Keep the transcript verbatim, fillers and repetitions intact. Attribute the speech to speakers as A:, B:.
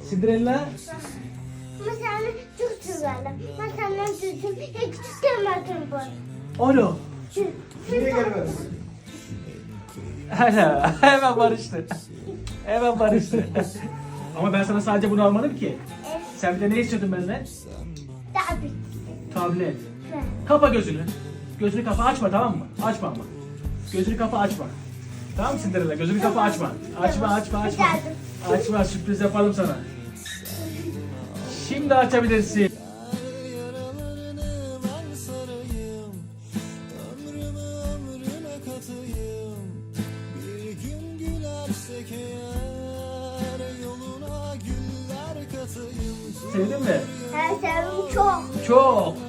A: Cinderella.
B: Mesela çok severler. Mesela çocuğum hiç küçükken var.
A: Alo.
C: Niye gelmedin?
A: Hala. Hemen barıştı. Hemen barıştı. Ama ben sana sadece bunu almadım ki.
B: Evet.
A: Sen bir de ne istiyordun benden?
B: Daha bir.
A: Tablet. Kapa gözünü. Gözünü kapa, açma, tamam mı? Açma ama. Gözünü kapa, açma. Tamam mı Cinderella? Gözünü kapa, açma. Açma, açma, açma. Açma, sürpriz yapalım sana. Şimdi açabilirsin. Sevdin mi?
B: Her sevim çok.
A: Çok.